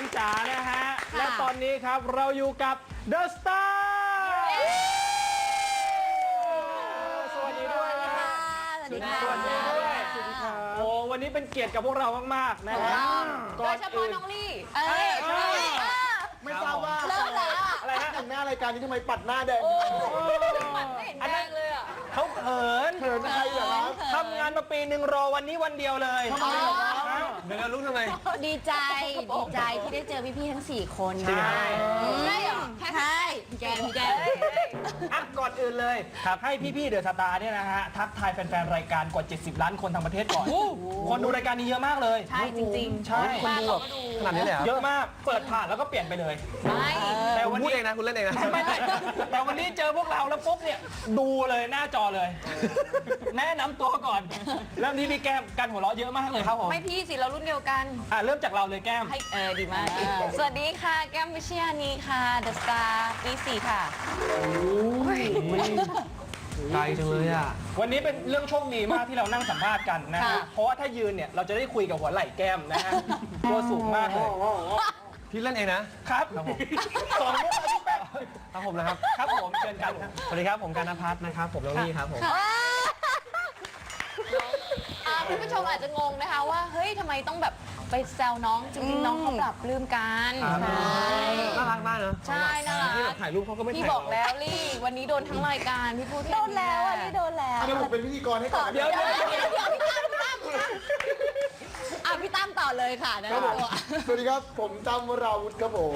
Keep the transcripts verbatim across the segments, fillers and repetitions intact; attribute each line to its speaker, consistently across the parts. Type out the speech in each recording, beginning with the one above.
Speaker 1: จ๋านะฮะและตอนนี้ครับเราอยู่กับเดอะสตาร์สวัสดีด้วยนะฮะ
Speaker 2: สวัสดีค่ะ
Speaker 1: สวัสดีด้วยสวัสดีครับโอ้วันนี้เป็นเกียรติกับพวกเรามากๆนะฮะ
Speaker 2: โดยเฉพาะน้องลี่เอ้ย
Speaker 3: ไม่ทราบว่า
Speaker 2: เริ่มแล้ว
Speaker 1: อะไรฮะ
Speaker 3: แต่งหน้ารายการนี้ทำไมปัดหน้าแดง
Speaker 2: ปัดไม่เห็นแดงเลยอ่ะ
Speaker 1: เขาเขิน
Speaker 3: เขินใครเหรอครับ
Speaker 1: ทำงานมาปีหนึ่งรอวันนี้วันเดียวเลย
Speaker 3: ทำไมเหรอครับ
Speaker 1: เดี๋ยวเรารู้ทำไม
Speaker 2: ดีใจ ดีใจที่ได้เจอพี่ๆทั้งสี่คน
Speaker 1: ใช่
Speaker 2: ใช่เหรอใช่แกงแกง
Speaker 1: อ่ะก่อนอื่นเลยครับให้พี่ๆเดอะสตาร์เนี่ยนะฮะทักทายแฟนๆรายการกว่าเจ็ดสิบล้านคนทั้งประเทศก่อนคนดูรายการนี้เยอะมากเลย
Speaker 2: ใช่จริงๆ
Speaker 1: ใช่
Speaker 2: คนดูแบบ
Speaker 1: ขนาดนี้เลยเยอะมากเปิดผ่านแล้วก็เปลี่ยนไปเลย
Speaker 2: ไม่
Speaker 1: แต่วัน
Speaker 4: พูด
Speaker 1: นี้
Speaker 4: เองนะคุณเล่นเองนะ
Speaker 1: ไม่ไม่แต่วันนี้เจอพวกเราแล้วปุ๊บเนี่ยดูเลยหน้าจอเลย แนะนำตัวก่อนเริ่มที่พี่แก้มกันหัวเราะเยอะมากเลยครับผม
Speaker 2: ไม่พี่สิเรารุ่นเดียวกัน
Speaker 1: อ่ะเริ่มจากเราเลยแก้ม
Speaker 2: ให้เออดีมาก สวัสดีค่ะ แก้มวิเชียานีค่ะ เดอะสตาร์ปีสี่ค่ะ
Speaker 4: ไกลจังเลยอ่ะ
Speaker 1: วันนี้เป็นเรื่องโชคดีมากที่เรานั่งสัมภาษณ์กันนะฮะ
Speaker 2: ค่ะ
Speaker 1: เพราะว่าถ้ายืนเนี่ยเราจะได้คุยกับหัวไหล่แก้มนะฮะตัวสูงมากเลย
Speaker 4: พี่เล่นเองนะครับ
Speaker 1: สองลูกพี่แป๊ะ
Speaker 4: ครับผมนะครับ
Speaker 1: ครับผมเชิญกันครับ
Speaker 4: สวัสดีครับผมการณพัฒน์นะครับผมน้องลี่ครับผม
Speaker 2: อ่าคุณผู้ชมอาจจะงงนะคะว่า เฮ้ยทำไมต้องแบบไปแซวน้อง จริงๆ น้องเขาปรับปลื้มกัน
Speaker 4: ครับ
Speaker 2: ใช่
Speaker 4: น่ารักมากเนอะ
Speaker 2: ใช่น่ารัก
Speaker 4: ที่แบบถ่ายรูปเขาก็ไม่
Speaker 2: พี่
Speaker 4: ถ่าย
Speaker 2: บอกแล้วลี่วันนี้โดนทั้งรายการพี่พูดโดนแล้วอ่ะลี่โดนแล้ว
Speaker 3: เดี๋ยวผมเป็นพิธีกรให้ก่อน
Speaker 1: เดี๋ยวเดี๋ยว
Speaker 2: เดี๋ยวเดี๋ยวพี่ตั้มพี่ตั้มพี่ตั้มอ่ะพี่ตั้มต่อเลยค่ะนะ
Speaker 3: ครับผมสวัสดีครับผมจำวราวุฒิครับผม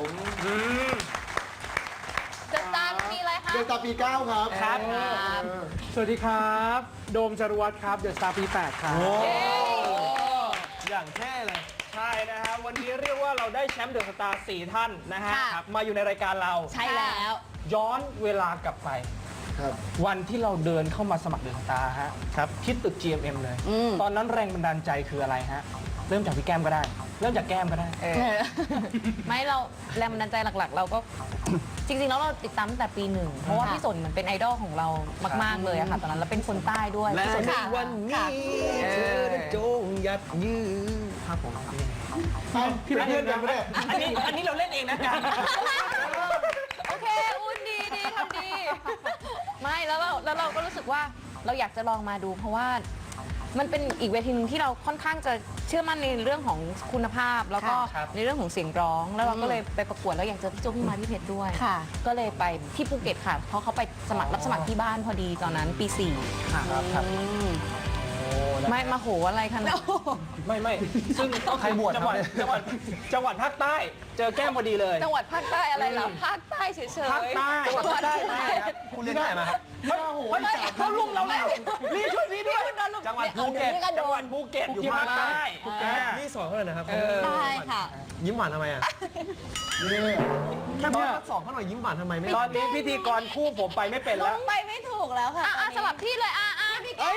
Speaker 2: เดอะสตาร์มีอะไรคะ
Speaker 3: เดือนตาปีเก้าครับ
Speaker 1: ครับ
Speaker 5: สวัสดีครับ โดมจรวัตรครับ เดอะสตาร์ปีแปดครับ
Speaker 1: โอ้
Speaker 4: อย่างแท่เลย
Speaker 1: ใช่นะฮะวันนี้เรียกว่าเราได้แชมป์เดอะสตาร์สี่ท่านนะฮะ
Speaker 2: ค่ะ
Speaker 1: ครับมาอยู่ในรายการเรา
Speaker 2: ใช่แล้ว
Speaker 1: ย้อนเวลากลับไป
Speaker 3: ครับ
Speaker 1: วันที่เราเดินเข้ามาสมัครเดอะสตาร์ฮะครับที่ตึก จี เอ็ม เอ็ม เลย
Speaker 2: อืม
Speaker 1: ตอนนั้นแรงบันดาลใจคืออะไรฮะ เริ่มจากพี่แก้มก็ได้ เริ่มจากแก้มก็ได้
Speaker 2: ไม่เราแรงบันดาลใจหลักๆ เราก็ จริงๆ แล้วเราติดตามตั้งแต่ปีหนึ่ง เพราะว่าพี่สนเหมือนเป็นไอดอลของเรามากๆเลยอะค่ะ ตอนนั้นเราเป็นคนใต้ด้วย
Speaker 4: และ
Speaker 2: พี่สน
Speaker 4: ใน
Speaker 2: ค่ะ
Speaker 4: วันนี้เธอได้จงหยัดยืนครับผม
Speaker 3: เอ้าพี่เป็นเพื่อนกันปะเนี่ย
Speaker 1: อันนี้อันนี้เราเล่นเองนะกัน
Speaker 2: โอเคอุ้นดีดีทำดี ไม่แล้วเราแล้วเราก็รู้สึกว่าเราอยากจะลองมาดู เพราะว่ามันเป็นอีกเวทีหนึงที่เราค่อนข้างจะเชื่อมั่นในเรื่องของคุณภาพ แล้วก็ในเรื่องของเสียงร้อง แล้วเราก็เลยไปประกวดแล้วอยากเจอพี่โจพี่มาพี่เพชรด้วยก็เลยไปที่ภูเก็ตค่ะ เพราะเขาไปสมัครรับสมัครที่บ้านพอดีตอนนั้นปีสี่
Speaker 1: ครับครับ
Speaker 2: ไม่มาโหอะไรขนาด
Speaker 1: ไม่ไม่ซึ่ง
Speaker 4: ใครบวช
Speaker 1: จังหวัด
Speaker 4: ครับ
Speaker 1: จังหวัดจังหวัดภาคใต้ เจอแก้มพอดีเลย
Speaker 2: จังหวัดภาคใต้อะไรเหรอภาคใต้เฉยๆ
Speaker 1: ภาคใต้
Speaker 2: จังหวัดภาคใต้
Speaker 4: คุณเล่นที่ไหนมาครับ
Speaker 1: เฮ้ยเฮ้ยเขาลุมเราแล้วรีบช่วยพี่ด้วย
Speaker 4: จังหวัดภูเก็ต
Speaker 2: นี่ก็โด
Speaker 1: จังหวั
Speaker 2: น
Speaker 1: ดภูเก็ตอยู่ภาคใต้
Speaker 4: นี่สอนเขาเลยนะครับ
Speaker 2: ได้ค่ะ
Speaker 4: ยิ้มหวานทำไมอ่ะ
Speaker 3: นี่
Speaker 4: แค่ตอนทดสอบเขาหน่อยยิ้มหวานทำไมไม่
Speaker 1: ตอนนี้พิธีกรคู่ผมไปไม่เป็นแล้ว
Speaker 2: ไปไม่ถูกแล้วค่ะอ่ะสลับที่เลยอ่ะอ่ะพี่
Speaker 1: เฮ้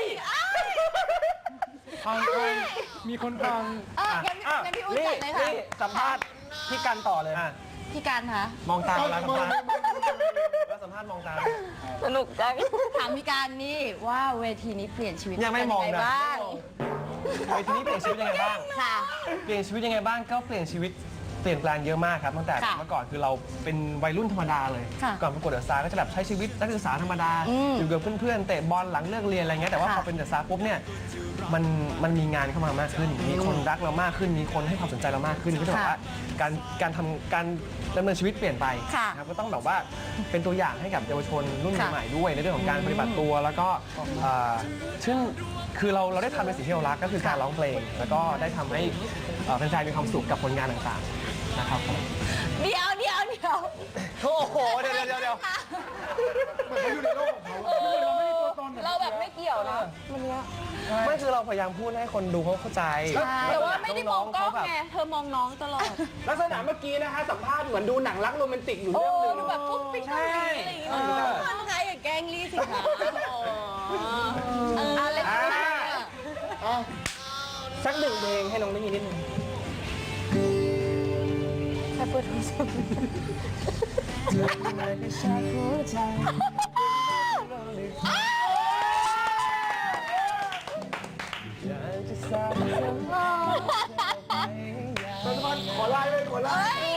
Speaker 2: แก้
Speaker 1: ย
Speaker 2: ม
Speaker 5: ฟังฟังมีคนฟัง
Speaker 2: เอองั้น
Speaker 1: อ่ะ
Speaker 2: งั้นพี่อุ้ย
Speaker 1: นี่
Speaker 2: จัดเลยค่ะ
Speaker 1: นี่สัมภาษณ์พี่กันต่อเลย
Speaker 4: อ่ะ
Speaker 2: พี่การคะ
Speaker 4: มองตาเวลาสัมภาษณ์เวลาสัมภาษณ์มองตา
Speaker 2: สนุกจังถามพี่การนี่ว่าเวทีนี้เปลี่ยนชีวิต
Speaker 4: ยังไม่มอง
Speaker 2: เป็น
Speaker 4: นะ
Speaker 2: บ้าง
Speaker 4: เวทีนี้เปลี่ยนชีวิตยังไงบ้าง
Speaker 2: ค่ะ
Speaker 4: เปลี่ยนชีวิตยังไงบ้างก็เปลี่ยนชีวิตเปลี่ยนแปลงเยอะมากครับตั้งแต่
Speaker 2: ค่ะ
Speaker 4: เมื่อก่อนคือเราเป็นวัยรุ่นธรรมดาเลย
Speaker 2: ค่ะ
Speaker 4: ก่อนประกวดเดอะสตาร์ก็จะแบบใช้ชีวิตนักศึกษาธรรมดา
Speaker 2: อืม
Speaker 4: อยู่กับเพื่อนๆเตะบอลหลังเลิกเรียนอะไรเงี้ยแต่ว่า
Speaker 2: ค่ะ
Speaker 4: พอเป็นเดอะสตาร์ปุ๊บเนี่ยมันมันมีงานเข้ามามากขึ้น มีคนรักเรามากขึ้น มีคนให้ความสนใจเรามากขึ้นก็จะบอกว่าการการทำการดำเนินชีวิตเปลี่ยนไป
Speaker 2: ค่ะ
Speaker 4: นะครับก็ต้องแบบว่าเป็นตัวอย่างให้กับเยาวชนรุ่น
Speaker 2: ค่ะ
Speaker 4: ใหม่ๆด้วยในเรื่องของการปฏิบัติตัวแล้วก็เอ่อซึ่งคือเราเราได้ทำในสิ่งที่เรารักก็คือการร้องเพลง แล้วก็ได้ทำให้เอ่อแฟนๆมีความสุขกับผลงานต่างๆนะครับผม
Speaker 2: เดี๋ยวเดี๋ยวเดี๋ยว
Speaker 4: โอ้โห เดี๋ยวเดี๋ยวเดี๋ยว
Speaker 3: เหมือนเขาอยู่ในโลกของเขา
Speaker 2: เออเราแบบไม่เกี่ยวนะมันเนี้ย
Speaker 4: ไม่คือเราพยายามพูดให้คนดูเขาเข้าใจ
Speaker 2: แต่ว่าไม่ได้มองกล้อง
Speaker 4: ๆเขาแบบ
Speaker 2: ไงเธอมองน้องตลอด
Speaker 1: ลักษณะเมื่อกี้นะฮะสัมภาษณ์เหมือนดูหนังรักโรแมนติกอยู่
Speaker 2: โอ้
Speaker 1: เรื่องหนึ่ง
Speaker 2: ดูแบบปุ๊บปิ๊กอะไรอย่างเงี้ยมันใครอย่าแกล้งลี่สิคะอ๋อเอออะไร
Speaker 1: อ่า
Speaker 3: อ่ะ
Speaker 1: สักหนึ่งเพลงให้น้องได้ยินนิดนึง
Speaker 2: ใครเปิดโทรศัพท์
Speaker 3: ขอไลน์เลยขอไลน์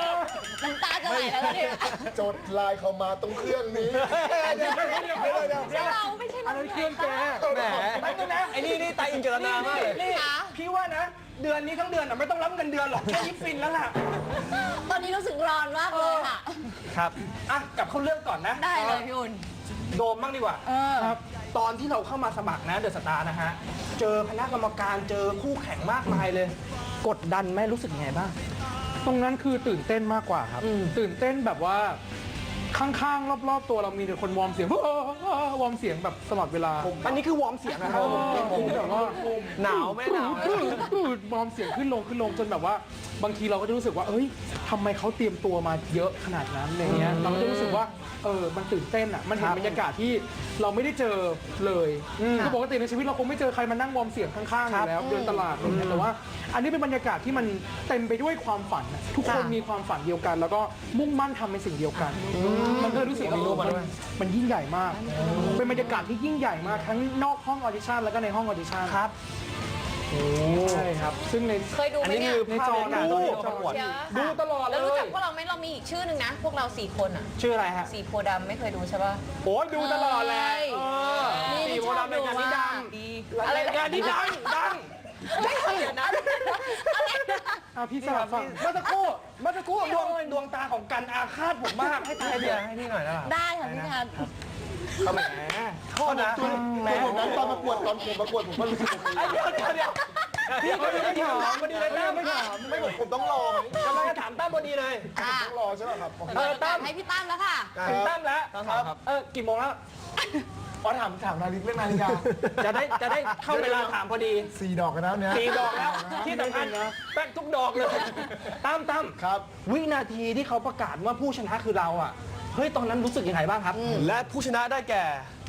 Speaker 2: จะไหนแล้วเนี่ย
Speaker 3: จดไลน์เขามาตรงเครื่องนี้เดี๋ยวเดี๋ยวเดี๋ยวเดี๋ยวเดี๋ยว
Speaker 2: ใช่เราไม่ใช่
Speaker 5: อั
Speaker 2: เรา
Speaker 5: นนั้นเครื่องแก
Speaker 4: แหม
Speaker 1: แป๊บนึงนะ
Speaker 4: ไอ้นี่นี่ไตอินเจรนามากเลย
Speaker 1: นี่พี่ว่านะ เดือนนี้ทั้งเดือนอ่ะไม่ต้องรับเงินเดือนหรอกแค่ยิปฟินแล้วล่ะ
Speaker 2: ตอนนี้รู้สึกร้อนมากเลยค่ะ
Speaker 4: ครับ
Speaker 1: อ่ะกลับเข้าเรื่องก่อนนะ
Speaker 2: ได้เลยพี่อุ่น
Speaker 1: โดมบ้างดีกว่า
Speaker 2: เออ
Speaker 1: ครับตอนที่เราเข้ามาสมัครนะเดอะสตาร์นะฮะ เจอคณะกรรมการเจอคู่แข่งมากมายเลย กดดันไหมรู้สึกยังไงบ้าง
Speaker 5: ตรงนั้นคือตื่นเต้นมากกว่าครับ
Speaker 1: อืม
Speaker 5: ตื่นเต้นแบบว่าข้างๆ รอบๆ ตัวเรามีแต่คนวอร์มเสียง วอร์มเสียงแบบตลอดเวลา
Speaker 1: อันนี้คือวอร์มเสียงนะครับ
Speaker 5: ผมแบบว่า
Speaker 4: หนาวไหมหนาวไหม
Speaker 5: วอร์มเสียงขึ้นลงขึ้นลงจนแบบว่า บางทีเราก็จะรู้สึกว่าเอ้ยทำไมเขาเตรียมตัวมาเยอะขนาดนั้นอะไรเงี้ยเราก็จะรู้สึกว่าเออมันตื่นเต้นอ่ะมันเห็นบรรยากาศที่เราไม่ได้เจอเลยคือปกติในชีวิตเราคงไม่เจอใครมานั่งวอร์มเสียงข้างๆอยู่แล้วเดินตลาดอะไรเงี้ยแต่ว่า อันนี้เป็นบรรยากาศที่มันเต็มไปด้วยความฝันอะทุกคนมีความฝันเดียวกัน แล้วก็มุ่งมั่นทำในสิ่งเดียวกันมันก็เลยรู้สึกว่ามันมันยิ่งใหญ่มาก เป็นบรรยากาศที่ยิ่งใหญ่มากทั้งนอกห้องออดิชั่นแล้วก็ในห้องออดิชั่นครับใช่ครับซึ่งใน
Speaker 2: เคยดูไหม
Speaker 4: อันนี้
Speaker 2: เนี่ย
Speaker 4: คือ
Speaker 5: ใน
Speaker 4: ภา
Speaker 5: จ
Speaker 4: พ
Speaker 5: อ
Speaker 4: บรรยากาศตอนที่เราประกวด
Speaker 2: เดี๋ยว
Speaker 5: ดูตลอดเลย
Speaker 2: แล้วรู้จักพวกเราไหมเรามีอีกชื่อหนึ่งนะ พวกเราสี่คนอ่ะ
Speaker 1: ชื่ออะไรฮะ
Speaker 2: สีโพธิ์ดำไม่เคยดูใช่ป่ะ
Speaker 1: โอ้ยดูตลอดแหละ
Speaker 2: ใช่
Speaker 1: เออ
Speaker 2: นี่
Speaker 1: สี่โพธิ์ดำเป็นงานที่ดัง
Speaker 2: ดี
Speaker 1: อะไรงานที่ดังดัง
Speaker 2: ไม่เคยเดี๋ยวนะอะไรนะ
Speaker 5: อ่ะพี่สลับฟัง
Speaker 1: เมื่อสักครู่เมื่อสักครู่ดวงดวงตาของกันอาฆาตผมมากให้ทาย
Speaker 4: ให้
Speaker 1: เดี
Speaker 4: เดี
Speaker 1: ย
Speaker 4: ยว วให้พี่หน่อยได้ป่ะ
Speaker 2: ได้ค่ะพี่ทัน
Speaker 1: เขาแหมโทษนะ
Speaker 3: ตัวผมนั้นตอนประกวดตอนผมประกวดผมก็รู้สึกแบบ
Speaker 1: ไอ้
Speaker 3: นี้
Speaker 1: เดี๋ยวเดี๋ยวเดี๋ยวพี่ก็ไม่ถามพอดีเลยตั้ม
Speaker 3: ไม่ถามไม่ผมผมต้องรอไหม
Speaker 1: กำลังจะถามตั้มพอดีเลย
Speaker 2: ค่ะ
Speaker 3: ต้องรอใช่ไหมครับ
Speaker 1: เออตั้ม
Speaker 2: ให้พี่ตั้มแล้วค่ะ
Speaker 1: ถึงตั้มแล้ว
Speaker 4: ครับ
Speaker 1: เออกี่โมงแล้ว
Speaker 3: อ๋อถามถามนาฬิกาเรื่องนาฬิกา
Speaker 1: จะได้จะได้เข้าเวลาถามพอดี
Speaker 3: สี่ดอกกันแล้วเนี่ย
Speaker 1: สี่ดอกแล้วที่สำคัญแป๊กทุกดอกเลยตั้มตั้ม
Speaker 3: ครับ
Speaker 1: วินาทีที่เขาประกาศว่าผู้ชนะคือเราอ่ะเฮ้ยตอนนั้นรู้สึกยังไงบ้างครับ
Speaker 4: และผู้ชนะได้แก่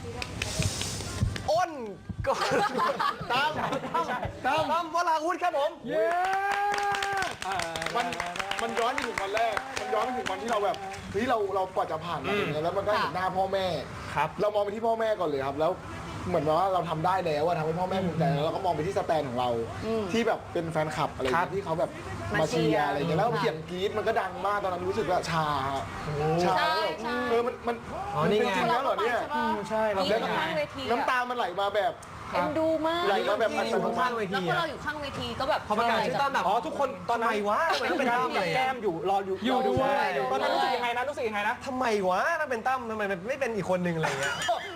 Speaker 4: อ้นก็
Speaker 3: ตาม
Speaker 4: ตั้มตั้มวราวุธครับผม
Speaker 5: เย้
Speaker 3: มันมันย้อนไปถึงวันแรก มันย้อนไปถึงวันที่เราแบบเฮ้ยเราเรากว่าจะผ่านมาอย่างเงี้ยแล้วมันก็เห็นหน้าพ่อแม่
Speaker 1: ครับ
Speaker 3: เรามองไปที่พ่อแม่ก่อนเลยครับ แล้วเหมือนว่าเราทำได้แล้วอะทำให้พ่อแม่ภูมิใจแล้วเราก็มองไปที่สแตนของเรา ที่แบบเป็นแฟนคลับอะไรอย่างเงี้ยที่เขาแบบมาเชียร์อะไรอย่างเงี้ยแล้วเสียงกรี๊ดมันก็ดังมากตอนนั้นรู้สึกว่าชาชา
Speaker 2: ใช่
Speaker 3: แล้วแบบ
Speaker 2: ใช่
Speaker 3: เออมันมัน
Speaker 4: อ๋อนี่ไง
Speaker 3: จริงๆแล้วเหรอเนี่ย
Speaker 5: อืมใช่เรา
Speaker 2: นี่
Speaker 5: ได้
Speaker 2: อยู่ข้างเวที
Speaker 3: น้ำตามันไหลมาแบบ
Speaker 2: เอ็นดูมาก
Speaker 3: ไหลมาแบบอั
Speaker 4: ที่
Speaker 3: ต
Speaker 4: อยู่
Speaker 3: โนมั
Speaker 4: ข้าง
Speaker 3: ติ
Speaker 4: เว
Speaker 2: แล้ว
Speaker 4: ที
Speaker 2: พอ
Speaker 4: อะ
Speaker 2: เราอยู่ข้างเวทีก็แบบ
Speaker 4: พอประกาศชื่อตั้มแบบ
Speaker 1: อ๋อทุกคนตอนนั้น
Speaker 4: ทำไมวะทำไมต้องเป็นตั้มเลย
Speaker 1: แก้มอยู่รออยู่
Speaker 5: อยู่ด้วย
Speaker 1: ตอนนั้นรู้สึกยังไงนะรู้สึกยังไงนะ
Speaker 4: ทำไมวะถ้าเป็นตั้มทำไมไม่เป็นอีกคนนึงอะไรเงี้ย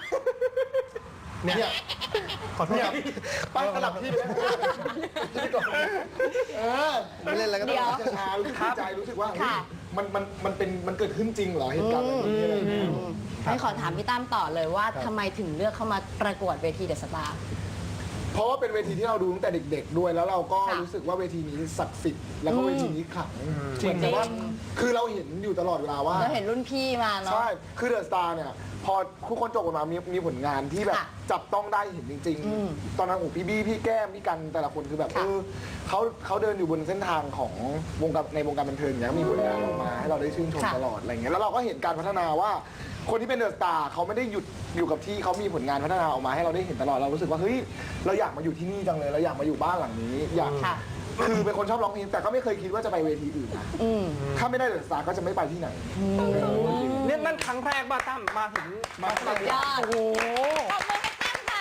Speaker 3: เนี่ย
Speaker 4: ขอโทษ
Speaker 3: เนี่ย
Speaker 4: ครับ
Speaker 3: ป้าสลับที่ไปแล้วที่ก่อนเออ
Speaker 4: ไม่เล่นแล้วก็ต้
Speaker 2: เดี๋
Speaker 4: อง
Speaker 2: ยว
Speaker 3: จะชารู้สึกดีใจรู้สึกว่าเฮ้ย
Speaker 2: ค่ะ
Speaker 3: มันมันมันเป็นมันเกิดขึ้นจริงเหรอเหตุการณ์แบบนี้อะไรอย่างเงี้ย
Speaker 6: ให้ขอถามพี่ตั้มต่อเลยว่าทำไมถึงเลือกเข้ามาประกวดเวทีเดอะสตาร์
Speaker 3: เพราะว่าเป็นเวทีที่เราดูตั้งแต่เด็ก ๆ ด้วย แล้วเราก็
Speaker 6: ค่ะ
Speaker 3: รู้สึกว่าเวทีนี้ศักดิ์สิทธิ์แล้วก็เวทีนี้ขลังเหมือนกับว่าคือเราเห็นอยู่ตลอดเวลาว่า
Speaker 6: เราเห็นรุ่นพี่มาเนาะ
Speaker 3: ใช่ คือเดอะสตาร์เนี่ย พอทุกคนจบออกมามีมีผลงานที่แบบ
Speaker 6: ค่ะ
Speaker 3: จับต้องได้เห็นจริง
Speaker 6: อืม
Speaker 3: ๆ ตอนนั้นโอ้พี่บี้พี่แก้มพี่กันแต่ละคนคือแบบ
Speaker 6: ค่ะ
Speaker 3: เออเขาเขาเดินอยู่บนเส้นทางของวงการในวงการบันเทิงอย่างเงี้ยมีผลงานออกมาให้เราได้ชื่นชมตลอดอะไรเงี้ยแล้วเราก็เห็นการพัฒนาว่า คนที่เป็นเดอะสตาร์เขาไม่ได้หยุดอยู่กับที่เขามีผลงานพัฒนาออกมาให้เราได้เห็นตลอดเรารู้สึกว่าเฮ้ยเราอยากมาอยู่ที่นี่จังเลยเราอยากมาอยู่บ้านหลังนี้อยาก
Speaker 6: ค่ะ
Speaker 3: คือเป็นคนชอบร้องเพลงแต่ก็ไม่เคยคิดว่าจะไปเวทีอื่นนะ
Speaker 6: อืม
Speaker 3: ถ้าไม่ได้เดอะสตาร์ก็จะไม่ไปที่ไหน
Speaker 1: เนี่ยนั่นครั้งแรกบ้าตั้มมาถึงมาสมัคร
Speaker 6: ยอด
Speaker 1: โอ้โห
Speaker 2: ขอบมือให้ตั้มค่ะ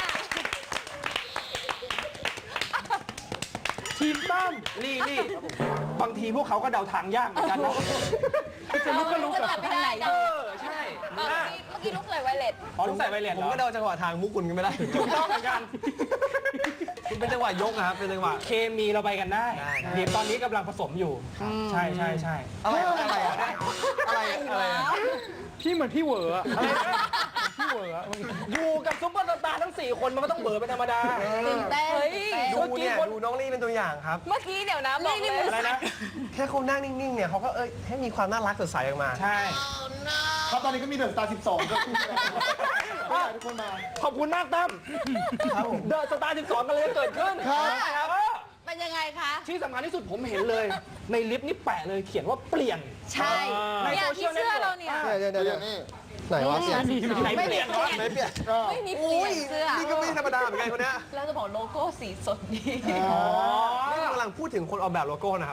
Speaker 1: ทีมตั้มนี่นี่บางทีพวกเขาก็เดาทางยากเหมือนกันนะ
Speaker 2: จะลุกก็ลุกแบบไม่ได้
Speaker 1: เออใช่
Speaker 2: เมื่อ
Speaker 1: อ่ะ
Speaker 2: กี้เมื่อกี้ลุกเลยไวเลต
Speaker 1: อ๋อต้องใส่ไวเลส
Speaker 4: ผม
Speaker 1: เหรอ
Speaker 4: ก็เดาจังหวะทางมุกคุณก็ไม่ได้
Speaker 1: ถูกต้องเหมือนกัน
Speaker 4: คุณเป็นจังหวะยกอะครับเป็นจังหวะ
Speaker 1: เคมีเราไปกันได้
Speaker 4: ได้ได้
Speaker 1: เดี๋ยวตอนนี้กำลังผสมอยู่ ใช่ใช่ใช่
Speaker 4: อะไรอะไรอะไรอะไรอะไร
Speaker 5: พี่เหมือนพี่เหวออะ
Speaker 1: อะไรนะ
Speaker 5: พี่เหวออะ
Speaker 1: อยู่กับซุปเปอร์สตาร์ทั้งสี่คนมันก็ต้องเบอร์เป็นธรรมดา
Speaker 6: ตื่นเต้น
Speaker 2: เฮ้ย
Speaker 6: ตื่นเต้น
Speaker 4: ดูเนี่ยดูน้องลี่เป็นตัวอย่างครับ
Speaker 2: เมื่อกี้เดี๋ยวนะบอกเลย
Speaker 1: อะไรนะ
Speaker 4: แค่เขานั่งนิ่งๆเนี่ยเขาก็เอ้ยให้มีความน่ารักสดใสออกมา
Speaker 1: ใช่
Speaker 3: ครับตอนนี้ก็มีเดอะสตาร์สิบสองก็ขึ้นไปแล้วก็อยากให้ทุกคนมา
Speaker 1: ขอบคุณมากตั้มเดอะสตาร์สิบสองกันเลยเกิดขึ้น
Speaker 3: ครับ
Speaker 1: ครับ
Speaker 2: เป็นยังไงคะ
Speaker 1: ที่สำคัญที่สุดผมเห็นเลย ในลิฟต์นี่แปะเลยเขียนว่าเปลี่ยน
Speaker 2: ใช่
Speaker 1: ใน
Speaker 2: เนี่ย
Speaker 1: โซเชี
Speaker 2: ที่
Speaker 1: ยล
Speaker 2: เสื้อเราเนี่ย
Speaker 4: เดี๋ยวเดี๋ยว
Speaker 3: เดี๋
Speaker 4: เดี๋ยว ว
Speaker 3: ยนี่
Speaker 4: ไหนวะเสียง
Speaker 1: ไหนเปลี่ยนวะ
Speaker 4: ไม่เปลี่ยน
Speaker 3: ก็
Speaker 2: ไม่มีเปลี่ยนเสื้อ
Speaker 4: นี่ก็ไม่ธรรมดาเหมือนกันคนเนี้ย
Speaker 2: เราจะบอกโลโก้สีสดดี
Speaker 1: อ๋อ
Speaker 4: นี่กำลังพูดถึงคนออกแบบโลโก้นะครับ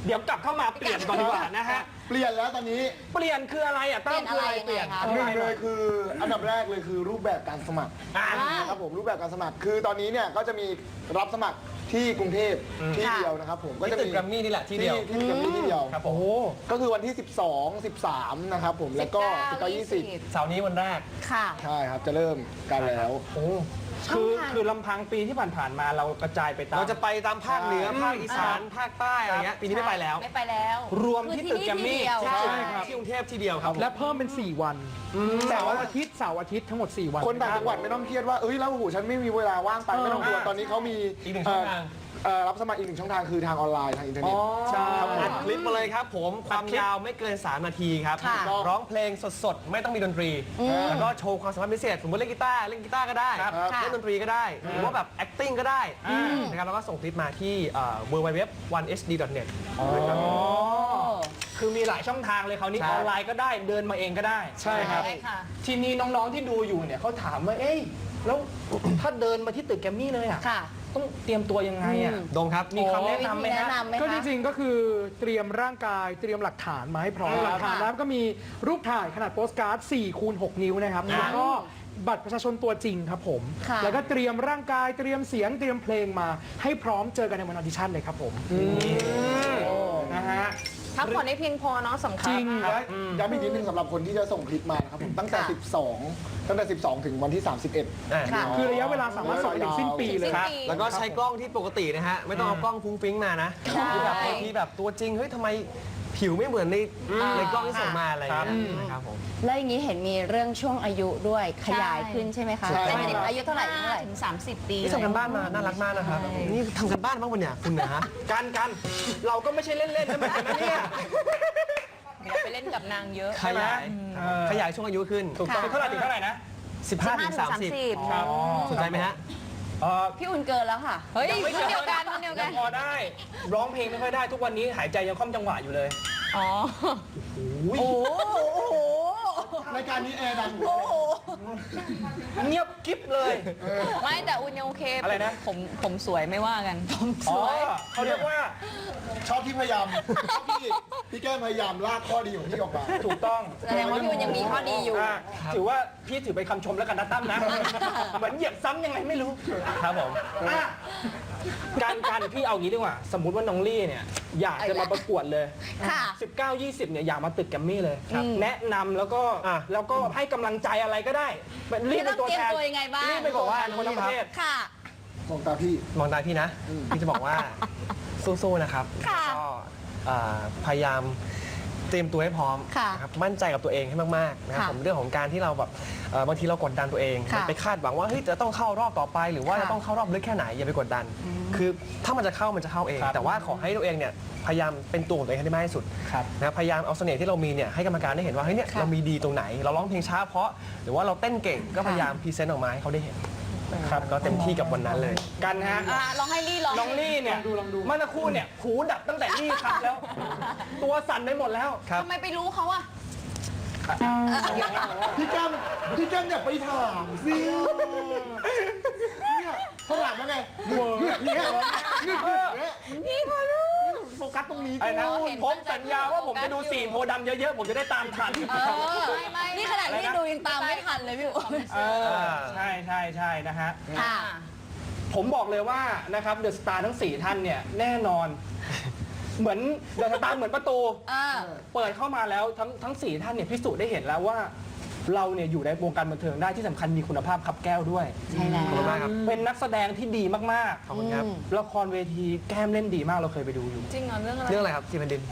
Speaker 1: เดี๋ยวกลับเข้ามาเปลี่ยนก่อนดีกว่านะฮะ
Speaker 3: เปลี่ยนแล้วตอนนี้
Speaker 1: เปลี่ยนคืออะไรอ่ะตั้มคืออะไร
Speaker 6: เป
Speaker 1: เป
Speaker 6: ลี่
Speaker 1: ลี่
Speaker 6: ย
Speaker 1: ย
Speaker 6: น
Speaker 1: น
Speaker 6: อะไร
Speaker 3: หนึ่งเลยคืออันดับแรกเลยคือรูปแบบการสมัคร
Speaker 1: อ่า
Speaker 3: นะครับผมรูปแบบการสมัครคือตอนนี้เนี่ยก็จะมีรับสมัครที่กรุงเทพที่เดียวนะครับผมก็
Speaker 4: ที่
Speaker 3: จะ
Speaker 4: ตึก
Speaker 3: มี
Speaker 4: แกรมมี่นี่แหละที่เดียว
Speaker 3: ที่ที่ตึกแกรมมี่ที่เดียว
Speaker 4: ครับผม
Speaker 3: ก็คือวันที่ สิบสอง สิบสาม นะครับผมแล้วก็ สิบเก้า ยี่สิบ
Speaker 4: เสาร์นี้วันแรก
Speaker 6: ค่ะ
Speaker 3: ใช่ครับจะเริ่มกันแล้ว
Speaker 1: คือคือลำพังปีที่ผ่านๆมาเรากระจายไปตาม
Speaker 4: เราจะไปตามภาคเหนือ ภาคอีสาน ภาคใต้อะไรเงี้ย ปีนี้ไม่ไปแล้ว
Speaker 2: ไม่ไปแล้ว
Speaker 1: รวมที่ตึกแกรมมี่
Speaker 2: คือที่นี่ที่เดียว
Speaker 5: ใช่ครับ
Speaker 4: ที่กรุงเทพที่เดียวครับ
Speaker 5: และเพิ่มเป็น สี่ วันเสาร์อาทิตย์เสาร์อาทิตย์ทั้งหมด สี่ วัน
Speaker 3: คนต่างจังหวัดไม่ต้องเครียดว่าเอ้ยแล้วโอ้โหฉันไม่มีเวลาว่างไปไม่ต้องกลัวตอนนี้เขามี
Speaker 4: อีกหนึ่งช่องทาง
Speaker 3: เอ่อรับสมัครอีกหนึ่งช่องทางคือทางออนไลน์ทางอินเทอร์เน็ต
Speaker 1: ใช่
Speaker 4: อัดคลิปมาเลยครับผม ความยาวไม่เกิน สาม นาทีครับ
Speaker 6: ค่ะ
Speaker 4: ร้องเพลงสดๆ ไม่ต้องมีดนตรี แล้วก็โชว์ความสามารถพิเศษ สมมติเล่นกีตาร์เล่นกีตาร์ก็ได้
Speaker 3: ครับ
Speaker 6: ค่ะ
Speaker 4: เล่นดนตรีก็ได้ หรือว่าแบบ acting ก็ได้นะครับแล้วก็ส่งคลิปมาที่เอ่อ ดับเบิลยู ดับเบิลยู ดับเบิลยู ดอท วันเอชดี ดอท เน็ต
Speaker 1: คือมีหลายช่องทางเลยเขาวนี่
Speaker 4: ใช่
Speaker 1: ออนไลน์ก็ได้เดินมาเองก็ได้
Speaker 5: ใช่ครับ
Speaker 2: ใช่ค่ะ
Speaker 1: ทีนี้น้องๆที่ดูอยู่เนี่ยเขาถามว่าเอ้ยแล้วถ้าเดินมาที่ตึกแกรมมี่เลยอ่ะ
Speaker 6: ค่ะ
Speaker 1: ต้องเตรียมตัวยังไงอ่ะ
Speaker 4: โดมครับ
Speaker 1: มีคำแนะนำไหม
Speaker 6: แนะ
Speaker 1: ฮะ
Speaker 6: นำไหม
Speaker 5: ก็จ
Speaker 6: คะ
Speaker 5: ริงๆ ก็คือเตรียมร่างกายเตรียมหลักฐานมาให้พร้อม
Speaker 1: ครับ
Speaker 5: หลักฐานแล้วก็มีรูปถ่ายขนาดโปสการ์ด สี่คูณหก นิ้วนะครับ แล้วก็บัตรประชาชนตัวจริงครับผม
Speaker 6: ค่ะ
Speaker 5: แล้วก็เตรียมร่างกายเตรียมเสียงเตรียมเพลงมาให้พร้อมเจอกันในวันออดิชั่นเลยครับผม
Speaker 1: นะฮะ
Speaker 2: พักผ่อนให้เพียงพอเนาะสำคัญ
Speaker 5: จริง
Speaker 3: และย้ำอีกนิดนึงสำหรับคนที่จะส่งคลิปมานะครับผมตั้งแต่
Speaker 6: ค่ะ
Speaker 3: สิบสอง ตั้งแต่ สิบสอง ถึงวันที่ สามสิบเอ็ด
Speaker 4: อ่ะ
Speaker 6: ค่ะ
Speaker 5: คือระยะเวลาสามารถส่งไปถึงสิ้นปีเลย
Speaker 2: สิ้น
Speaker 5: ครับ
Speaker 2: ปี
Speaker 4: แล้วก็ใช้กล้องที่ปกตินะฮะ ไม่ต้องเอากล้องฟุ้งฟิ้งมานะคือแบบบางทีแบบตัวจริง เฮ้ยทำไมผิวไม่เหมือนในในกล้องที่ส่งมาอะไรอย่างเงี้ยนะครับผม
Speaker 6: แล้วอย่างนี้เห็นมีเรื่องช่วงอายุด้วยขยายขึ้นใช่ไหมคะ
Speaker 3: ใช่
Speaker 6: เป็นเด็กอายุเท่าไหร่เท่าไหร่
Speaker 2: ถึงสามสิบปี
Speaker 4: นี่ทำกันบ้านมา น่ารักมากนะครับ นี่ทำกันบ้านบ้างปะเนี่ยคุณนะฮะ
Speaker 1: กันกันเราก็ไม่ใช่เล่นๆนะเหมือนกันนะเนี่ย
Speaker 2: อย่าไปเล่นกับนางเยอะ
Speaker 4: ขยาย
Speaker 1: เออ
Speaker 4: ขยายช่วงอายุขึ้น
Speaker 1: ถูกต้อง
Speaker 6: ค่ะ
Speaker 1: เท่าไหร่ถึงเท่าไหร่นะ
Speaker 4: สิบห้าถึงสามสิบ
Speaker 1: ครับ
Speaker 4: สนใจไหมฮะ
Speaker 1: เอ่อ
Speaker 6: พี่อุ่นเกินแล้วค่ะ
Speaker 2: เฮ้ย
Speaker 1: ยังไม่
Speaker 2: คนเดียวกันคนเดียวกัน
Speaker 1: งพอได้ ร้องเพลงไม่ค่อยได้ทุกวันนี้หายใจยังคล่อมจังหวะอยู่เลย
Speaker 2: อ๋อ
Speaker 1: โอ้
Speaker 3: รายการนี้แอร์ดัง
Speaker 1: เงียบกิ๊บเลย
Speaker 2: ไม่แต่อุ่นยังโอเค
Speaker 1: อะไรนะ
Speaker 2: ผมผมสวยไม่ว่ากันผมส
Speaker 1: อ๋อ
Speaker 2: วย
Speaker 1: เขาเรียกว่า
Speaker 3: ชอบที่พยายามชอบที่พี่แก้มพยายามลากข้อดีของพี่ออกมา
Speaker 1: ถูกต้อง
Speaker 6: แสดงว่าพี่อุ่นยังมีข้อดีอยู่
Speaker 1: อ่ะถือว่าพี่ถือเป็นคำชมแล้วกันนะตั้มนะ เหมือนเหยียบซ้ำยังไงไม่รู้
Speaker 4: ครับผม
Speaker 1: อ่ะการการพี่เอางี้ดีกว่า สมมุติว่าน้องลี่เนี่ยอยากจะมาประกวดเลย
Speaker 6: ค่ะ
Speaker 1: สิบเก้า ยี่สิบเนี่ยอยากมาตึกแกรมมี่เลย แนะนำแล้วก็
Speaker 4: อ่ะ
Speaker 1: แล้วก็ให้กำลังใจอะไรก็ได้รีบเป็นตัวแทน
Speaker 6: ต้องเตรียมตัวยังไงบ้าง
Speaker 1: รีบไปบอกว่าคนทั้งประเทศ
Speaker 6: ค่ะ
Speaker 3: มองตาพี่
Speaker 4: มองตาพี่นะ พี่จะบอกว่า สู้ๆนะครับ
Speaker 6: ค่ะ
Speaker 4: แล้วก็เอ่อพยายามเตรียมตัวให้พร้อม
Speaker 6: ค่ะ
Speaker 4: นะครับมั่นใจกับตัวเองให้มากๆนะครับ
Speaker 6: ค่ะ
Speaker 4: ผมเรื่องของการที่เราแบบเอ่อบางทีเรากดดันตัวเอง
Speaker 6: ค่ะ
Speaker 4: ไปคาดหวังว่าเฮ้ยจะต้องเข้ารอบต่อไป หรือว่า
Speaker 6: ค่ะ
Speaker 4: จะต้องเข้ารอบลึกแค่ไหนอย่าไปกดดัน คือถ้ามันจะเข้ามันจะเข้าเอง
Speaker 1: ครับ
Speaker 4: แต่ว่าขอให้ตัวเองเนี่ยพยายามเป็นตัวของตัวเองให้ได้มากที่สุด
Speaker 1: ครับ
Speaker 4: นะครับพยายามเอาเสน่ห์ที่เรามีเนี่ยให้กรรมการได้เห็นว่าเฮ้ยเนี่ย
Speaker 6: ค่ะ
Speaker 4: เรามีดีตรงไหน เราร้องเพลงช้าเพราะหรือว่าเราเต้นเก่งก็พยายามพรีเซนต์ออกมาให้เขาได้เห็นนะครับก็เต็มที่กับวันนั้นเลย
Speaker 1: กันฮะ
Speaker 2: อ่ะลองให้ลี่ลอง
Speaker 1: น้องลี่เนี่ยเมื่อสักครู่เนี่ยหูดับตั้งแต่ลี่ครับแล้ว ตัวสั่นไปหมดแล้ว
Speaker 4: ครับ
Speaker 2: ทำไมไปรู้เขาอะ
Speaker 3: พี่แก้มพี่แก้มอย่าไปถามสิเนี่ยเขาถามว่าไงเวิร์กเนี่ยนี่พอรู้โฟกัสตรงนี้
Speaker 1: อะไรนะ
Speaker 2: เห็น
Speaker 1: ผมสัญญาว่าผมจะดูสี่โพธิ์ดำเยอะๆ ผมจะได้ตามทัน
Speaker 2: เออไม่ไม่
Speaker 6: นี่ขนาดที่ดูยังตามไม่ทันเลยพี่อุ่น
Speaker 1: เออใช่ใช่ใช่นะฮะ
Speaker 6: ค่ะ
Speaker 1: ผมบอกเลยว่านะครับเดอะสตาร์ทั้งสี่ท่านเนี่ยแน่นอน เหมือนเดอะสตาร์เหมือนประตู
Speaker 6: อ่า
Speaker 1: เปิดเข้ามาแล้วทั้งทั้งสี่ท่านเนี่ยพิสูจน์ได้เห็นแล้วว่า เราเนี่ยอยู่ในวงการบันเทิงได้ที่สำคัญมีคุณภาพขับแก้วด้วย
Speaker 6: ใช่แล้ว
Speaker 4: ขอบคุณมากครับ
Speaker 1: เป็นนักแสดงที่ดีมาก
Speaker 4: ขอบคุณครับ
Speaker 1: ๆ ละครเวทีแก้มเล่นดีมากเราเคยไปดูอยู่
Speaker 2: จริงเหรอเรื่องอะไร
Speaker 4: เรื่องอะไรครับทีมแผ่นดิน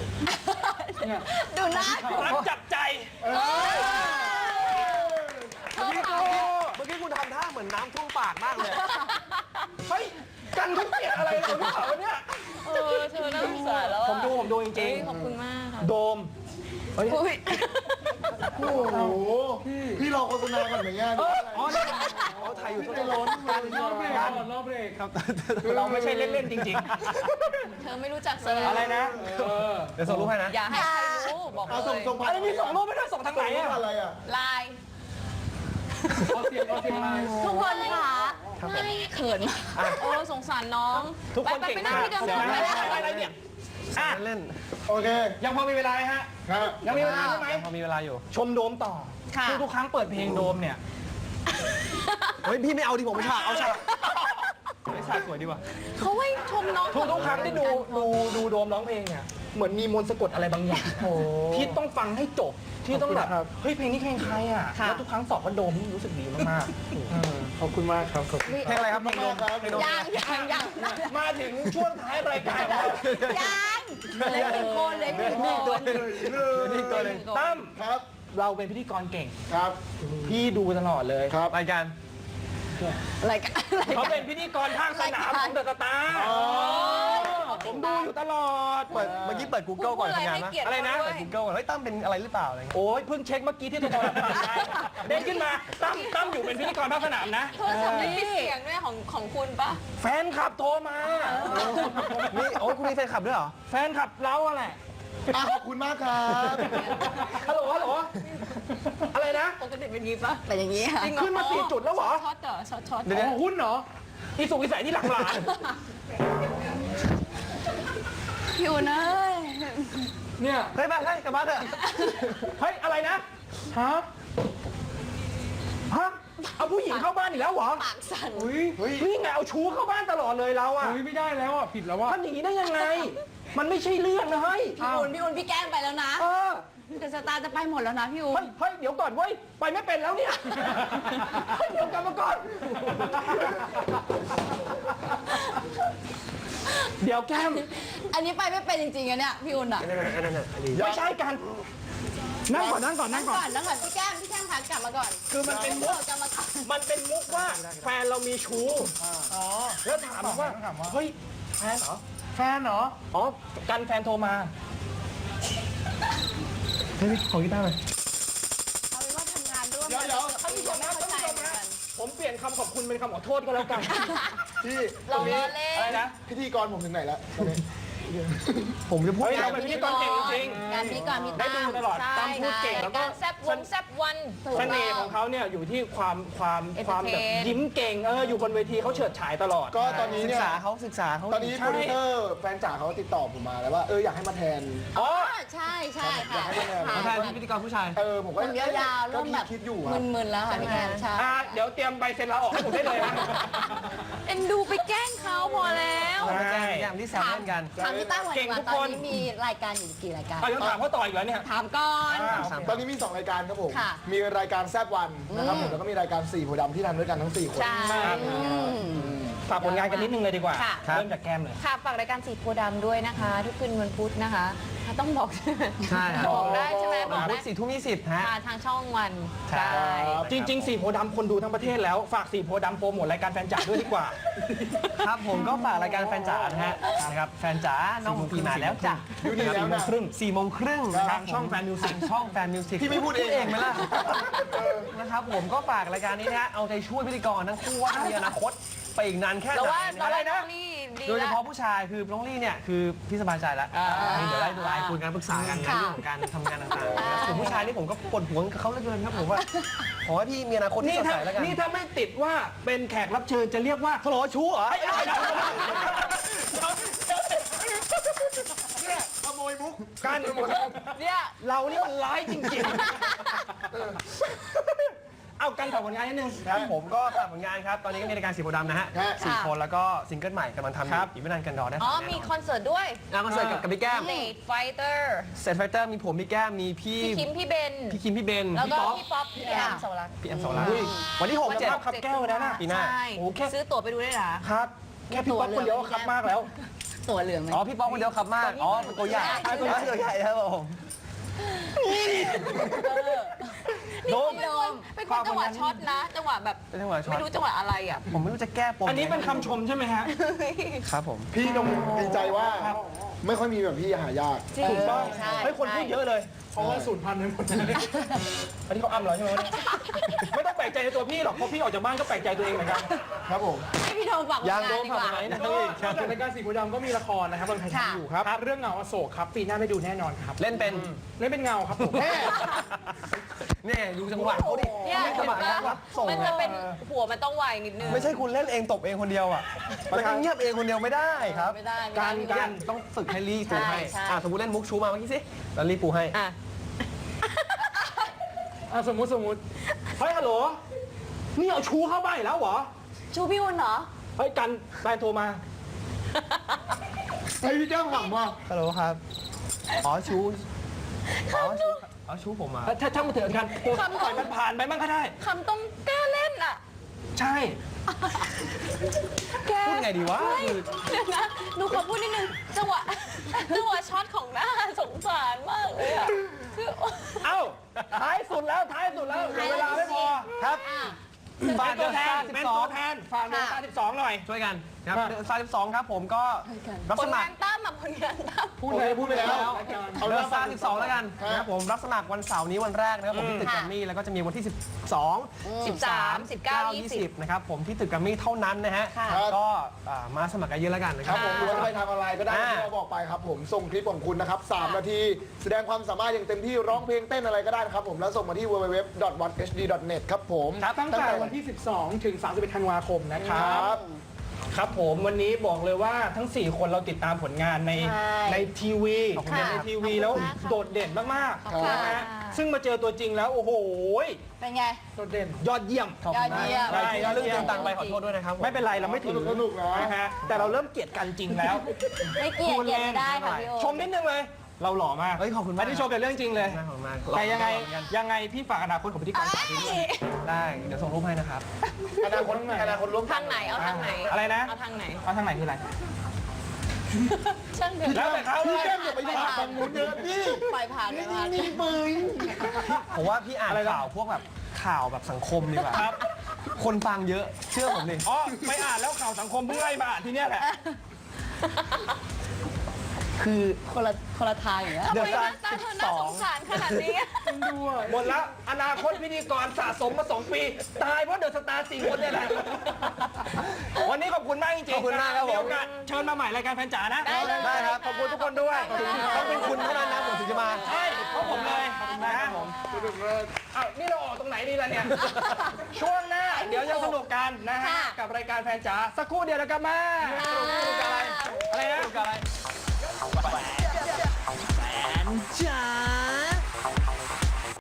Speaker 6: ดูหน้า
Speaker 1: รักจับใจ
Speaker 4: เมื่อกี้เมื่อกี้คุณทำท่าเหมือนน้ำท่วมปากมากเลย
Speaker 1: เฮ้ย กันเขาเกลียดอะไรเราหรือเปล่าวะเนี่ย
Speaker 2: เออเธอน่าสงสารแล้วอะ
Speaker 1: ผมดูผมดูจ
Speaker 2: เอ้
Speaker 1: ริง
Speaker 2: ยขอบคุณมากค่ะ
Speaker 1: ๆ โดมเฮ้ย
Speaker 2: อุ้ย
Speaker 3: โอ้โหพี่รอโฆษณาก่อนไหมเนี่ย
Speaker 1: เอออ๋อนี่
Speaker 4: เขาไทยอยู่ทุก
Speaker 3: ไม่ร้อน
Speaker 1: กัน
Speaker 5: รอบเบรก
Speaker 1: กัน
Speaker 5: รอบเบรกครับ
Speaker 1: เราไม่ใช่เล่น ๆ จริง
Speaker 2: เธอไม่รู้จักแสดง
Speaker 1: ๆ อะไรนะ
Speaker 5: เออ
Speaker 4: เดี๋ยวส่งรูปให้นะ
Speaker 2: อย่าให้ใครรู้บอกเล
Speaker 3: เอาส่ง
Speaker 2: ย
Speaker 3: ส่งผ่า
Speaker 1: อะ
Speaker 3: น
Speaker 1: ไรมีส่งรูปไม่ได้ส่งทางไหน
Speaker 3: ส่ง
Speaker 1: อะ
Speaker 3: อะไรอ่ะ
Speaker 2: ไลน์
Speaker 5: เอาเสียงเอาเสียงไลน์
Speaker 6: ทุกคนค่ะ
Speaker 2: เขินมากโอ้สงสารน้อง
Speaker 1: ทุกคน
Speaker 2: ไป
Speaker 1: เก่ง
Speaker 2: ไปนั่ง
Speaker 1: มาก
Speaker 2: ที่เดิม
Speaker 1: เดี๋ยว
Speaker 2: ไป
Speaker 1: นะ
Speaker 2: ไป
Speaker 1: อะไรเนี่ยอ่ะ
Speaker 4: เล่น
Speaker 3: โอเค
Speaker 1: ยังพอมีเวลาไหมฮะ
Speaker 3: ครับ
Speaker 1: ยังมีเวลาใช่ไหม
Speaker 4: พอมีเวลาอยู่
Speaker 1: ชมโดมต่อ
Speaker 6: ค่ะ
Speaker 1: ทุกทุกๆครั้งเปิดเพลงโดมเนี่ย
Speaker 4: เฮ้ยพี่ไม่เอาดิผมไม่ฉากเอาฉากไม่ฉากสวยดีกว่า
Speaker 2: เขาให้ชมน้อง
Speaker 1: ทุกทุกๆครั้งที่ดูดูดูโดมร้องเพลงเนี่ยเหมือนมีมนต์สะกดอะไรบางอย่างที่ต้องฟังให้จบที่ต้องแบบเฮ้ยเพลงนี้เพลงใครอ่ะ
Speaker 6: ค่ะ
Speaker 1: แล้วทุกครั้งสอบว่าโดมนี่รู้สึกดีมากๆ
Speaker 5: เออขอบคุณมากครับขอบคุณ
Speaker 4: เพลงอะไรครับเพลงโดม
Speaker 3: ครับ
Speaker 6: ยังยังยัง
Speaker 1: มาถึงช่วงท้ายรายการแล้ว
Speaker 6: ยังเหลยหนึ่งคนเหลยหนึ่งคน
Speaker 4: นี่ตัวหนึ่ง
Speaker 1: ตั้ม
Speaker 3: ครับ
Speaker 1: เราเป็นพิธีกรเก่ง
Speaker 3: ครับ
Speaker 1: พี่ดูตลอดเลย
Speaker 3: ครับ
Speaker 4: รายการ
Speaker 6: อะไรกันอะไร
Speaker 1: เขา
Speaker 6: กั
Speaker 1: เป็น นพิธีกรภาคสนามของเดอะสตาร์ผมดูอยู่ตลอด
Speaker 4: เปิดเมื่อกี้เปิด Google ก่อนทำงานนะ
Speaker 1: อะไรนะ
Speaker 4: เปิด Google ก่อนเฮ้ยตั้มเป็นอะไรหรือเปล่าอะไรเงี้ย
Speaker 1: โอ้ยเพิ่งเช็คเมื่อกี้ที่โทรศัพท์ได้เด้งขึ้นมาตั้มตั้มอยู่เป็นพิธีกรภาคสนามนะ
Speaker 2: โทรศัพท์ไม่มีเสียงด้วยของของคุณปะ
Speaker 1: แฟนคลับโทรมา
Speaker 4: นี่โอ้ยคุณมีแฟนคลับด้วยเหรอ
Speaker 1: แฟนคลับเราอะแหละ
Speaker 3: อ่ะขอบคุณมากครับ
Speaker 1: ฮัลโหลฮัลโหลอะไรนะ
Speaker 2: ปกติเป็นงี้ปะ
Speaker 6: เป็นอย่างนี้ค่ะ
Speaker 1: ขึ้นมาสี่จุดแล้วเหรอ
Speaker 2: ช็อตเหรอช็อตช็อต
Speaker 1: เดี๋ยวๆหุ้นเหรออีสุกอีใสที่หลังหลาน
Speaker 2: พี่อุ่นเอ้ย
Speaker 5: เนี่ย
Speaker 4: เฮ้ยมาเฮ้ยกลับบ้านเถอะ
Speaker 1: เฮ้ยอะไรนะ
Speaker 5: ฮะ
Speaker 1: ฮะเอาผู้หญิงเข้าบ้านอีกแล้วเหรอ
Speaker 2: ปากสั่น
Speaker 5: อุ้ย
Speaker 3: เฮ้ย
Speaker 1: นี่ไงเอาชู้เข้าบ้านตลอดเลยเราอะ
Speaker 5: อุ้ยไม่ได้แล้วอ่ะผิดแล้วว่ะ
Speaker 1: ทำอย่างนี้ได้ยังไง มันไม่ใช่เรื่องนะเฮ้ย
Speaker 6: พี่อุ่นพี่อุ่นพี่แกล้งไปแล้วนะ
Speaker 1: เออ
Speaker 6: เดอะสตาร์จะไปหมดแล้วนะพี่อุ่
Speaker 1: เฮ้
Speaker 6: น
Speaker 1: ยเฮ้ยเดี๋ยวก่อนเว้ยไปไม่เป็นแล้วเนี่ยเฮ้ยเดี๋ยวกลับมาก่อน เดี๋ยวแก้ม
Speaker 6: อันนี้ไปไม่เป็นจริงๆอะเนี่ยพี่อุ่นอะ
Speaker 4: นั่นนั่นนั่นนั่นอันนี้
Speaker 1: ไม่ใช่กันนั่งก่อนนั่งก่อน
Speaker 6: นั่
Speaker 1: นั่
Speaker 6: ง
Speaker 1: งก่อน
Speaker 6: ก่อนนั่งก่อนพี่แก้มพี่แก้มพากลับมาก่อน
Speaker 1: คือมันเป็นมุก
Speaker 6: เราจะมาก่อน
Speaker 1: มันเป็นมุกว่าแฟนเรามีชู้อ๋อแล้วถามว่าเฮ้ยแฟนเหรอ
Speaker 5: แฟนเหรอ
Speaker 1: อ๋อกันแฟนโทรมา
Speaker 4: เฮ้ยขอกีตาร์หน่อย
Speaker 6: เอาเป็นว่าทำงานร่วม
Speaker 1: เดี๋ยวเดี๋ยวท่านผู้ชมนะท่านผู้ชมนะผมเปลี่ยนคำขอบคุณเป็นคำขอโทษก็แล้วกัน
Speaker 3: พี่
Speaker 6: เรา
Speaker 3: ตรง
Speaker 6: ล้
Speaker 3: นี้
Speaker 6: อเล่
Speaker 1: อะไร
Speaker 6: น
Speaker 1: นะ
Speaker 3: พิธีกรผมถึงไหนแล้วตอนนี้
Speaker 4: ผมจะพูด
Speaker 1: เฮ้ยเราเป็นพิธีกรเก่งจริง
Speaker 6: งานพิธีกรพี่
Speaker 1: ได้
Speaker 6: ตั้ม
Speaker 1: ดูตลอดตามพูดเก่งแล้วก็
Speaker 2: การแซบวงแซบวัน
Speaker 1: เสน่ห์ของเขาเนี่ยอยู่ที่ความความ
Speaker 2: Entertain
Speaker 1: ความแบบยิ้มเก่งเอออยู่บนเวทีเขาเฉิดฉายตลอด
Speaker 3: ก็ตอนนี้
Speaker 4: ศึ
Speaker 3: เนี่
Speaker 4: ก
Speaker 3: ย
Speaker 4: ษาเขาศึกษาเขา
Speaker 3: ตอนนี้โปรดิวเซอร์แฟนจ๋าเขาติดต่อผมมาแล้วว่าเอออยากให้มาแทน
Speaker 1: อ๋อ
Speaker 6: อ่าใช่ใช่ค่ะ
Speaker 3: อยากให้มาแทน
Speaker 4: เขาแทนพิธีกรผู้ชาย
Speaker 3: เออผมก็
Speaker 6: ผมยาวๆ
Speaker 3: ก็
Speaker 6: เริ่มแบบ
Speaker 3: คิดอยู่อะ
Speaker 6: มึนๆแล้วค่ะพี่แก้มใช่
Speaker 1: อ่ะเดี๋ยวเตรียมใบเซ็นลาออกให้ผมได้เลยนะ
Speaker 2: เอ็นดูไปแกล้งเขาพอแล้ว
Speaker 1: ใช่
Speaker 4: อย่างที่แซวเล่นกัน
Speaker 6: ถามพี่ตั้มก่อน
Speaker 1: เก่
Speaker 6: ดี
Speaker 1: ง
Speaker 6: กว่า
Speaker 1: ทุก
Speaker 6: ตอ
Speaker 1: คน น
Speaker 6: นี้มีรายการอยู่กี่รายการ
Speaker 1: อ่ะยังถามเขาต่ออีกแล้วเนี่ย
Speaker 6: ถามก่อน
Speaker 1: อ่า
Speaker 3: ตอนนี้มีสองรายการครับผม
Speaker 6: ค่ะ
Speaker 3: มีรายการแซบวันนะครับผมแล้วก็มีรายการสี่โพธิ์ดำที่ทำด้วยกันทั้งสี่คน
Speaker 6: ใช่
Speaker 1: ครับ
Speaker 6: อืม
Speaker 1: ฝากผลงานกันนิดนึงเลยดีกว่า
Speaker 6: ค่ะ
Speaker 1: เริ่มจากแก้มเลย
Speaker 2: ค่ะฝากรายการสีโพธิ์ดำด้วยนะคะ ทุกคืนวันพุธนะคะต้องบอกใช่ไหม
Speaker 4: ใช่ครับ
Speaker 2: บอกได้ใช่ไหมบ
Speaker 4: วั
Speaker 2: อน ก
Speaker 4: พุ
Speaker 2: ได้
Speaker 4: ธสี่ทุ่มยี่สิบฮะ
Speaker 2: ค่ะทางช่องวัน
Speaker 4: ใช่
Speaker 2: ได้
Speaker 1: จริงๆสี่โพธิ์ดำคนดูทั้งประเทศแล้ว ฝากสี่โพธิ์ดำโปรโมทรายการแฟนจ๋าด้วยดีกว่า
Speaker 4: ครับผมก็ฝากรายการแฟนจ๋านะฮะนะครับแฟนจ๋าน้องปีมาแล้วจ้ะ
Speaker 3: อยู่นี่แล้วนะ
Speaker 4: ครึ่งสี่โมงครึ่ง
Speaker 1: ทางช่องแฟนมิวสิก
Speaker 4: ช่องแฟนมิวสิก
Speaker 3: พี่ไม่พูดเอง
Speaker 4: เองไหมล่ะนะครับผมก็ฝากรายการนี้นะฮะเอาใจช่วยพิธีกรทั้งคู่ว่ามีอนาคตไปอีกนานแค่ไห
Speaker 2: เรา
Speaker 4: น
Speaker 2: ว่า
Speaker 4: นะ
Speaker 2: เรา
Speaker 4: อะไร
Speaker 2: ว่าน้
Speaker 4: นะ
Speaker 2: องลี่ดี
Speaker 4: โดยเฉ
Speaker 2: แล้ว
Speaker 4: พาะผู้ชายคือน้องลี่เนี่ยคือพี่สบายใจแล้ว
Speaker 2: อ่า
Speaker 4: เดี๋ยวได้ไลน์คุยกันปรึกษากันใน
Speaker 6: ค่ะ
Speaker 4: เรื่องของการทำงานต่างๆส่วนผู้ชายนี่ผมก็ปวดหัวกับเขาเหลือเกินครับผมว่าขอให้พี่มีอนาคตที่
Speaker 1: นี่
Speaker 4: สด
Speaker 1: ถ้า
Speaker 4: ใสแล้วกัน
Speaker 1: นี่ถ้าไม่ติดว่าเป็นแขกรับเชิญจะเรียกว่าฮัลโหลชู้เหรอไอ้ไอ้เนี่ย
Speaker 3: ขโมยมุก
Speaker 1: การ
Speaker 2: เนี่ย
Speaker 1: เรานี่มันร้ายจริงๆ เอากันฝากผลงานนิดนึง
Speaker 4: ครับผมก็ฝากผลงานครับ ตอนนี้ก็มีรายการสีโพธิ์ดำนะฮะ
Speaker 3: ฮะ
Speaker 4: สี่คนแล้วก็ซิงเกิลใหม่กำลังทำอ
Speaker 1: ครั
Speaker 4: ยู่
Speaker 1: บ
Speaker 4: อีกไม่นานกันรอได้
Speaker 2: อ๋อ
Speaker 4: ฟังแน่นน
Speaker 2: มีคอนเสิร์ตด้วย
Speaker 4: อ่ะคอนเสิร์ตกับกับพี่แก้ม
Speaker 2: State Fighter
Speaker 4: เซตไฟเตอร์มีผมมีแก้มมีพี่
Speaker 2: พี่คิมพี่เบน
Speaker 4: พี่คิมพี่เบน
Speaker 2: แล้ว
Speaker 4: พี่
Speaker 2: ก็
Speaker 4: ป๊อป
Speaker 2: พี่ป๊อปพี่แอมสวรักษ์
Speaker 4: พี่แอมสองล้านวันที่หก
Speaker 1: จะ
Speaker 4: เจ็ด
Speaker 1: ภาพขับแก้วนะน่ะ
Speaker 4: ปีหน้า
Speaker 2: ใช่
Speaker 1: โอ้แค่
Speaker 2: ซื้อตั๋วไปดูได้เหรอ
Speaker 1: ครับ แค่พี่ป๊อปคนเดียวก็ครับมากแล้ว
Speaker 6: ตัวเหลืองไหม
Speaker 4: อ๋อพี่ป๊อปคนเดียวขับมากอ๋อเป็นตัวใหญ่
Speaker 6: ใช่
Speaker 4: ตัวใหญ่ตัวใหญ่ครับผม
Speaker 2: โดมเป็นคนเป็นคนจังหวะช็อตนะ จังหวะแบบ
Speaker 4: เป็นจังหวะช็อต
Speaker 2: ไม่รู้จังหวะอะไรอ่ะ
Speaker 4: ผมไม่รู้จะแก้ปม
Speaker 1: อันนี้เป็นคำชมใช่ไหมฮะ
Speaker 4: ครับผม
Speaker 3: พี่ต้องดีใจว่าไม่ค่อยมีแบบพี่หายาก
Speaker 2: จริง
Speaker 1: ถูกต้อง
Speaker 2: ใช่
Speaker 1: เฮ้ยคนพูดเยอะเลย
Speaker 5: เพราะว่าสูญพันธุ์ไปหมด
Speaker 1: อันนี้เขาอ้ำเหรอใช่ไหมวะเนี่ยไม่ต้องแปลกใจในตัวพี่หรอก เพราะพี่ออกจากบ้านก็แปลกใจตัวเองเหมือนกัน
Speaker 3: ครับผม
Speaker 2: ให้พี่โด
Speaker 6: เราฝากผล
Speaker 4: ยัง
Speaker 6: งาน
Speaker 4: โดน
Speaker 6: ดีกว่า
Speaker 4: ฝากไหนนะ
Speaker 5: ก็นอกจากรายการสีโพธิ์ดำก็มีละครนะครับกำลังถ่ายทำอยู่ครับ เรื่องเงาอโศกครับ ปีหน้าได้ดูแน่นอนครับ
Speaker 4: เล่นเป็น
Speaker 5: เล่นเป็นเงาครับผม
Speaker 4: เนี่ยดูจังหวะเขาดิ
Speaker 2: เนี่ย
Speaker 4: เล่นจังหวะ
Speaker 2: เห็นปะ
Speaker 4: รับส่ง
Speaker 2: มันจะ
Speaker 4: อะ
Speaker 2: เป็นหัวมันต้องไวนิดนึง
Speaker 4: ไม่ใช่คุณเล่นเองตบเองคนเดียวอ่ะมันก็เงียบเองคนเดียวไม่ได้ครับ
Speaker 6: ไม่ได้ไม่ได้
Speaker 4: การการต้องฝึกให้รีปูให้
Speaker 6: ใช่ใช่
Speaker 4: อ่ะสมมติเล่นมุกชูมาเมื่อกี้สิแล้วรีปูให้
Speaker 2: อ่ะ
Speaker 5: อ่ะสมมุติสมมุติเฮ้ยฮัลโหลนี่เอาชูเข้าบ้านอีกแล้วเหรอ
Speaker 6: ชูพี่อุ่นเหรอ
Speaker 5: เฮ้ยกันแฟนโทรมา
Speaker 3: ไอ้พี่แก้มหวังว่า
Speaker 4: ฮัลโหลครับอ๋อชูอ๋อชูอ๋อชูผมมา
Speaker 5: ถ้าช่างมาเถอะกันปล่อยมันผ่านไปมั่งก็ได้
Speaker 2: คำต้องกล้าเล่นอ่ะ
Speaker 5: ใช่
Speaker 2: แก
Speaker 4: พูดไงดีวะ
Speaker 2: เฮ้ยเดี๋ยวนะหนูขอพูดนิดนึง จังหวะ จังหวะช็อตของหน้าสงสารมากเลยอ่ะคือ
Speaker 5: เอ้าท้ายสุดแล้วท้ายสุดแล้วเดี๋ยวเวลาไม่พอ
Speaker 4: ครับ
Speaker 5: ฝากตัวแทนเป็นตัวแทนฝากเดลต้าสิบสองหน่อย
Speaker 4: ช่วยกันครับ
Speaker 5: อ่ะ
Speaker 4: เดือนซาสิบสองครับผมก็รับ
Speaker 2: ผ
Speaker 4: ส
Speaker 2: ล
Speaker 4: มั
Speaker 2: งา
Speaker 4: คร
Speaker 2: นตั้มอ่ะผลงานตั้ม
Speaker 5: พูดเลยพูดไปแล้ว
Speaker 3: เอา
Speaker 4: เดื
Speaker 3: เรื่
Speaker 4: อ
Speaker 3: อน ง
Speaker 4: ซาสิบสองแล้วกัน
Speaker 3: ครับ
Speaker 4: นะครับผมรับสมัครวันเสาร์นี้วันแรกนะครับผมที่ตึกแกรมมี่แล้วก็จะมีวันที่สิบสอง
Speaker 2: สิบสามสิบเก้ายี่สิบ
Speaker 4: นะครับผมที่ตึกแกรมมี่เท่านั้นนะฮะ
Speaker 6: ค่ะ
Speaker 4: ก็อ่ามาสมัครกันเยอะแล้วกันนะค
Speaker 3: ค
Speaker 4: รั
Speaker 3: รั
Speaker 4: บบ
Speaker 3: ผมหรือว่าจะไปทางออนไลน์ก็ได้
Speaker 4: อ่า
Speaker 3: ที่เราบอกไปครับผมส่งคลิปของคุณนะครับสามนาที แสดงความสามารถอย่างเต็มที่ร้องเพลงเต้นอะไรก็ได้นะครับผมแล้วส่งมาที่ ดับเบิลยู ดับเบิลยู ดับเบิลยู ดอท วัต เอช ดี ดอท เน็ต ครับผม
Speaker 5: ตั้งแต่วันที่ สิบสอง ถึง สามสิบเอ็ด ธันวาคมนะค
Speaker 3: ค
Speaker 5: รั
Speaker 3: รับ บ
Speaker 5: ครับผมวันนี้บอกเลยว่าทั้ง สี่ คนเราติดตามผลงานใน
Speaker 6: ใช่
Speaker 5: ในทีวี
Speaker 6: ค่ะ
Speaker 5: ในทีวีแล้ว
Speaker 6: ขอบคุณมากค่ะ
Speaker 5: โดดเด่นมาก
Speaker 3: ขอบคุณ
Speaker 5: ๆนะฮะซึ่งมาเจอตัวจริงแล้ว โอ้โห
Speaker 6: เป็นไง
Speaker 5: โดดเด่นยอดเยี่ยม
Speaker 6: ยอดเยี่ยม
Speaker 5: ใช่
Speaker 4: ที่เรื่องเติมตังค์ไปขอโทษด้วยนะครับผม
Speaker 5: ไม่เป็นไรเราไม่ถึง
Speaker 3: สนุกนะ
Speaker 5: นะฮะแต่เราเริ่มเกลียดกันจริงแล้ว
Speaker 6: ไม่เกลียดเกลียดไม่ได้ค่ะพี่โอ
Speaker 5: ชมนิดนึงเลย เราหล่อมาก
Speaker 4: เฮ้ยขอบคุณมาก
Speaker 5: นนี้ชมเป็นเรื่องจริงเลย
Speaker 4: ขอบคุณมาก
Speaker 5: แต่ยังไง
Speaker 4: ขอบคุณมาก
Speaker 5: ยังไงพี่ฝากอนาคตของพิธีกรสาวด้วย
Speaker 4: ได้เดี๋ยวส่งรูปให้นะครับ
Speaker 3: อนาคตอนาคตร่วมกั
Speaker 2: ทาน งไหนเอาทางไหน
Speaker 5: อะไรนะ
Speaker 2: เอาทางไหน
Speaker 5: เอาทางไหนคืออะไร
Speaker 2: ช่างเถอะ
Speaker 5: แล้วแต่เขาเล
Speaker 3: พี่
Speaker 5: ย
Speaker 3: แก้มอย่าไปผ่านตรงนู้นเยอะนี่
Speaker 6: ปล่อยผ่านไป
Speaker 3: นี่
Speaker 6: ผ่าน
Speaker 3: นี่ปืน
Speaker 4: ผมว่าพี่อ่าน
Speaker 5: อะไรนะ
Speaker 4: ข่าวพวกแบบข่าวแบบสังคมดีกว่า
Speaker 5: ครับ
Speaker 4: คนฟังเยอะเชื่อผมดิ
Speaker 5: อ๋อไม่อ่านแล้วข่าวสังคมเพิ่งไล่มาอ่านที่เนี้ยแหละ
Speaker 4: คือ
Speaker 6: คนละคนละทางอย่างเงี้ย
Speaker 2: ทำไมหน้าตาเธอน่าสงสารขนาดนี้
Speaker 5: หมดแล้วอนาคตพิธีกรสะสมมาสองปี ตายเพราะเดอะสตาร์สี่คนเนี่ยแหละ วันนี้ขอบคุณมากจริงๆ
Speaker 4: ขอบคุณมากครับผม
Speaker 5: มีโอกาสเชิญมาใหม่รายการแฟนจ๋านะ
Speaker 2: ได้เลย
Speaker 4: ได้ครับ
Speaker 5: ขอบคุณทุกคนด้วย
Speaker 4: ต้องเป็นคุณเท่านั้นนะผมถึงจะมา
Speaker 5: ใช่เพราะผมเลยขอบคุณมากครับผม
Speaker 3: สนุกมาก
Speaker 5: อ้าวนี่เราออกตรงไหนดีล่ะเนี่ย ช่วงหน้าเดี๋ยวยังสนุกกันนะฮะ
Speaker 2: ค่ะ
Speaker 5: กับรายการแฟนจ๋าสักครู่เดียวแล้วกันมาสนุกสนุกกับอะไรอะไรนะ
Speaker 4: สนุกกับอะไร
Speaker 7: จ๋า